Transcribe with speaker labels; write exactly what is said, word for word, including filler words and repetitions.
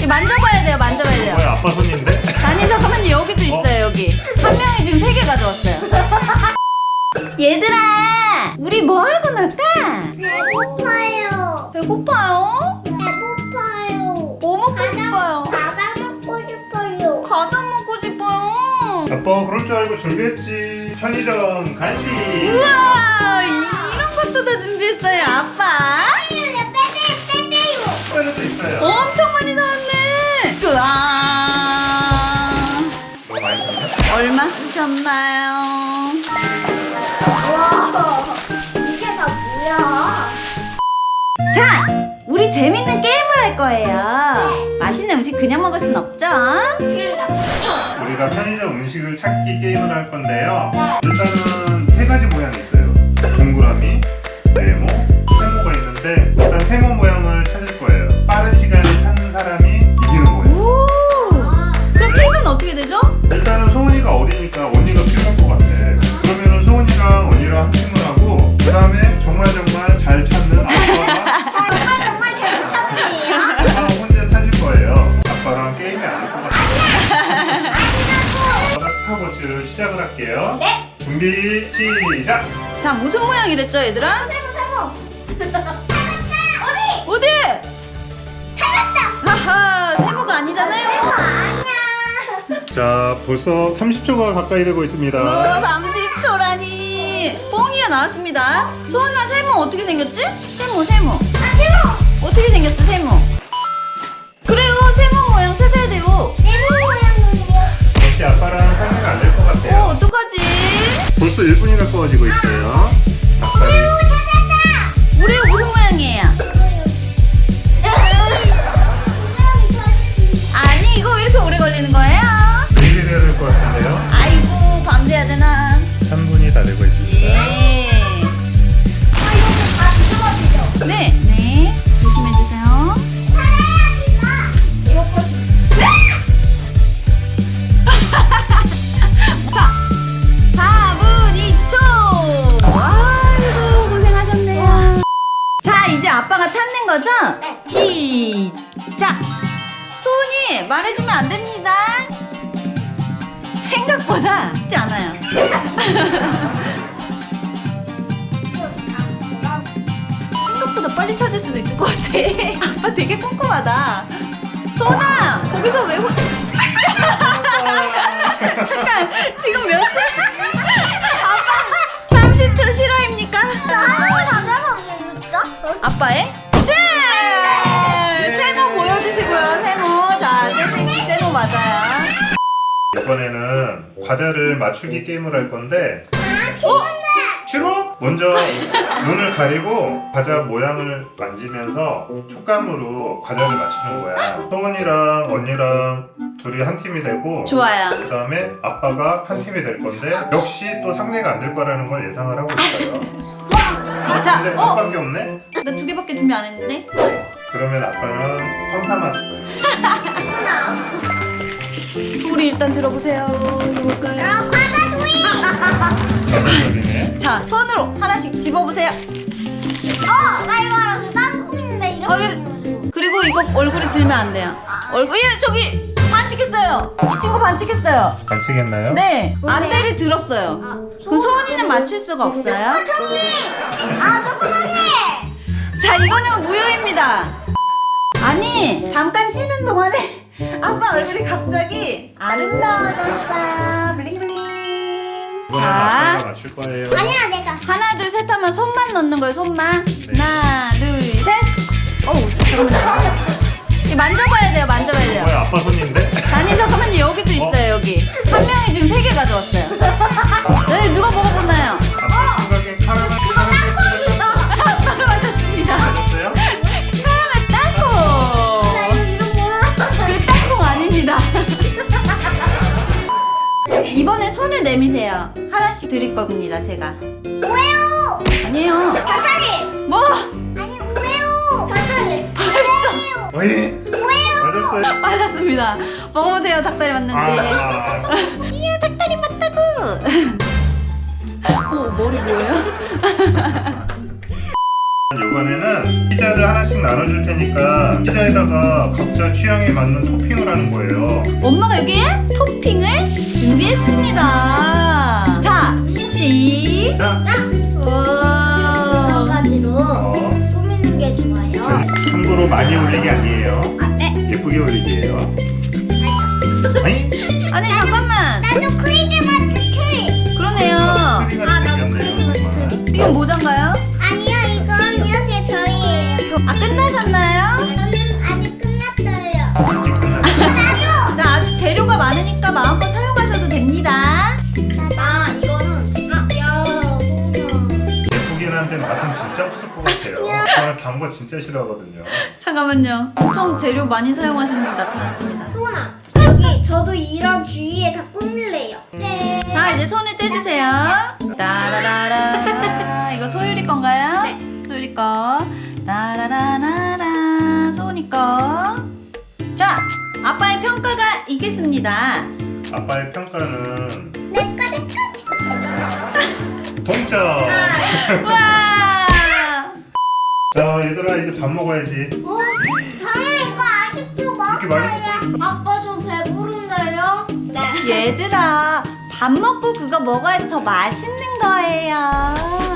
Speaker 1: 만져봐야 돼요, 만져봐야 돼요.
Speaker 2: 뭐야, 아빠 손인데?
Speaker 1: 아니 잠깐만요, 여기도 있어요. 여기 한 명이 지금 세 개 가져왔어요. 얘들아, 우리 뭐 하고 놀까?
Speaker 3: 배고파요.
Speaker 1: 배고파요?
Speaker 3: 배고파요.
Speaker 1: 뭐 먹고 싶어요?
Speaker 3: 과자 먹고 싶어요.
Speaker 1: 과자 먹고 싶어요.
Speaker 2: 아빠 그럴 줄 알고 준비했지. 편의점 간식.
Speaker 1: 우와, 이런 것도 다 준비했어요, 아빠.
Speaker 3: 빼빼요, 빼빼요.
Speaker 2: 스파이더도 있어요.
Speaker 1: 엄청 많이 사왔네. 우와.
Speaker 2: 너무 많이 샀네.
Speaker 1: 얼마 쓰셨나요?
Speaker 3: 와, 이게 다 뭐야?
Speaker 1: 자, 우리 재밌는 게임을 할 거예요. 맛있는 음식 그냥 먹을 순 없죠?
Speaker 2: 우리가 편의점 음식을 찾기 게임을 할 건데요. 일단은 세 가지 모양이 있어요. 동그라미, 네모, 세모가 있는데 일단 세모 모양을 찾을 거예요. 빠른 시간에 찾는 사람이 이기는 거예요.
Speaker 1: 오. 그럼 팀은 어떻게 되죠?
Speaker 2: 일단은 소은이가 어리니까 언니가 필요할 것 같아. 그러면은 소은이랑 언니랑 한 팀을 하고 그 다음에 정말 정말 잘 찾는 아빠가
Speaker 3: 정말 정말 잘 찾는데요?
Speaker 2: 아빠가 혼자 찾을 거예요. 아빠랑 게임이 아닐 것 같아요. 아빠가 스타워치를 시작을 할게요.
Speaker 3: 네.
Speaker 2: 준비 시작!
Speaker 1: 자, 무슨 모양이랬죠, 얘들아?
Speaker 3: 세모 세모. 어디?
Speaker 1: 어디?
Speaker 3: 찾았다.
Speaker 1: 하하, 세모가 아니잖아요.
Speaker 3: 아니야.
Speaker 2: 자, 벌써 삼십 초가 가까이 되고 있습니다.
Speaker 1: 우와, 삼십 초라니. 뽕이가 나왔습니다. 소은아, 세모 어떻게 생겼지? 세모, 세모.
Speaker 3: 아 세모.
Speaker 1: 어떻게 생겼어, 세모? 그래요, 세모 모양 찾아야 돼요.
Speaker 3: 세모 모양은요?
Speaker 2: 역시 아빠랑 상의가 안 될 것
Speaker 1: 오,
Speaker 2: 같아요.
Speaker 1: 어떡하지?
Speaker 2: 벌써 일 분이 가까워지고 있어요. 아빠를
Speaker 3: 찾았다.
Speaker 1: 우리 무슨 모양이에요? 아니, 이거 왜 이렇게 오래 걸리는 거예요?
Speaker 2: 내일 해야 될 것 같은데요.
Speaker 1: 아이고, 밤새야 되나?
Speaker 2: 삼 분이 다 되고 있습니다.
Speaker 1: 예.
Speaker 3: 아 이거 다 뒤집어지죠?
Speaker 1: 네, 네. 조심해주세요.
Speaker 3: 살아야지마. 이거 보시.
Speaker 1: 자, 사 분 이 초. 아이고, 고생하셨네요. 자, 이제 아빠가 찾는 거죠?
Speaker 3: 네.
Speaker 1: 시작. 소은이 말해주면 안 됩니다. 생각보다 쉽지 않아요. 생각보다 빨리 찾을 수도 있을 것 같아. 아빠 되게 꼼꼼하다. 소은아, 거기서 왜 홀... 잠깐, 지금 몇 초? 아빠, 삼십 초 실화입니까?
Speaker 3: 다 잡았네 진짜?
Speaker 1: 아빠의 세! 세모 보여주시고요, 세모. 자, 샌드위치 세모 맞아요.
Speaker 2: 이번에는 과자를 맞추기 게임을 할 건데
Speaker 3: 어?
Speaker 2: 싫어? 먼저 눈을 가리고 과자 모양을 만지면서 촉감으로 과자를 맞추는 거야. 소은이랑 언니랑 둘이 한 팀이 되고
Speaker 1: 좋아요.
Speaker 2: 그 다음에 아빠가 한 팀이 될 건데 역시 또 상대가 안 될 거라는 걸 예상을 하고 있어요.
Speaker 1: 자, 자,
Speaker 2: 근데
Speaker 1: 어?
Speaker 2: 아빠밖에 없네?
Speaker 1: 나 두 개밖에 준비 안 했는데?
Speaker 2: 그러면 아빠는 펌사마스.
Speaker 1: 소리 일단 들어보세요. 뭘까요?
Speaker 2: 전설적이네.
Speaker 1: 자, 손으로 하나씩 집어보세요.
Speaker 3: 어! 나 이거 알았어. 땅콩인데 이렇게
Speaker 1: 어, 이거- 그리고 이거 얼굴에 들면 안 돼요. 얼굴, 얘 저기 반칙했어요. 이 친구 반칙했어요.
Speaker 2: 반칙했나요?
Speaker 1: 네,
Speaker 3: 뭐예요?
Speaker 1: 안대를 들었어요. 그럼 소은이는 맞출 수가 없어요.
Speaker 3: 초콜릿! 아 초콜릿!
Speaker 1: 자, 이거는 무효입니다. 아니, 잠깐 쉬는 동안에 아빠 얼굴이 갑자기 아름다워졌어요. 블링블링.
Speaker 2: 이번에는 아빠가 맞출 거예요.
Speaker 3: 아니야 내가.
Speaker 1: 하나, 둘, 셋 하면 손만 넣는 거예요, 손만.
Speaker 2: 네.
Speaker 1: 하나, 둘, 셋. 어우, 잠깐만요. 이거 만져봐야 돼요, 만져봐야 돼요.
Speaker 2: 뭐야, 아빠 손인데?
Speaker 1: 아니, 잠깐만요. 여기도 있어요, 여기. 한 명이 지금 세 개 가져왔어요. 네, 누가 먹어보나요?
Speaker 2: 아빠 생각엔 카라멜
Speaker 1: 아빠가 맞았습니다.
Speaker 2: 맞았어요?
Speaker 1: 카라멜 땅콩.
Speaker 3: 이거 뭐야?
Speaker 1: 그래, 땅콩 아닙니다. 이번엔 손을 내미세요. 하나씩 드릴 겁니다, 제가.
Speaker 3: 오레오!
Speaker 1: 아니에요.
Speaker 3: 다사리!
Speaker 1: 뭐?
Speaker 3: 아니 오레오! 다사리!
Speaker 1: 벌써
Speaker 2: 어이?
Speaker 3: 오레오!
Speaker 2: 맞았어요?
Speaker 1: 맞았습니다. 먹어보세요, 닭다리 맞는지.
Speaker 2: 아,
Speaker 1: 이야, 닭다리 맞다고. 어, 머리 뭐예요?
Speaker 2: 이번에는 피자를 하나씩 나눠줄 테니까 피자에다가 각자 취향에 맞는 토핑을 하는 거예요.
Speaker 1: 엄마가 여기에 토핑을 준비했습니다. 자, 시작.
Speaker 2: 자,
Speaker 3: 여러
Speaker 1: 오.
Speaker 3: 가지로
Speaker 2: 어,
Speaker 3: 꾸미는 게 좋아요.
Speaker 2: 참고로 많이 올린 게 아니에요.
Speaker 3: 아, 네.
Speaker 2: 예쁘게 올리기예요. 아니?
Speaker 1: 아니 잠깐만.
Speaker 3: 나도 크리스마스 트리.
Speaker 1: 그러네요.
Speaker 2: 트리가
Speaker 3: 아, 나도
Speaker 2: 생겼네요.
Speaker 3: 크리스마스 트리.
Speaker 1: 이건 모자인가요?
Speaker 3: 아니요, 이건 이렇게 저희예요.
Speaker 1: 아 끝나셨나요?
Speaker 3: 저는 아직 끝났어요.
Speaker 2: 아직 끝났어요.
Speaker 3: 나도.
Speaker 1: 나 아직 재료가 많으니까 마음껏 사용하셔도 됩니다.
Speaker 3: 아, 이거는 아, 야, 소나.
Speaker 2: 예쁘긴 한데 맛은 진짜 없을 것 같아요. 저는 단 거 진짜 싫어하거든요.
Speaker 1: 잠깐만요. 엄청 재료 많이 사용하시는 분 나타났습니다.
Speaker 3: 소나. 여기 저도 이런 주위에 다 꾸밀래요. 네.
Speaker 1: 자 이제 손을 떼주세요. 따라라라. 이거 소율이 건가요?
Speaker 3: 네.
Speaker 1: 소율이 거. 따라라라라. 소은이 거. 자 아빠의 평가가 있겠습니다.
Speaker 2: 아빠의 평가는
Speaker 3: 내꺼 내꺼.
Speaker 2: 동점.
Speaker 1: 와.
Speaker 2: 자 얘들아 이제 밥 먹어야지.
Speaker 3: 어? 당연히 이거 아직도
Speaker 2: 이렇게 많이
Speaker 3: 먹어요. 아빠 좀 배부른데요? 네.
Speaker 1: 얘들아 밥 먹고 그거 먹어야지 더 맛있는 거예요.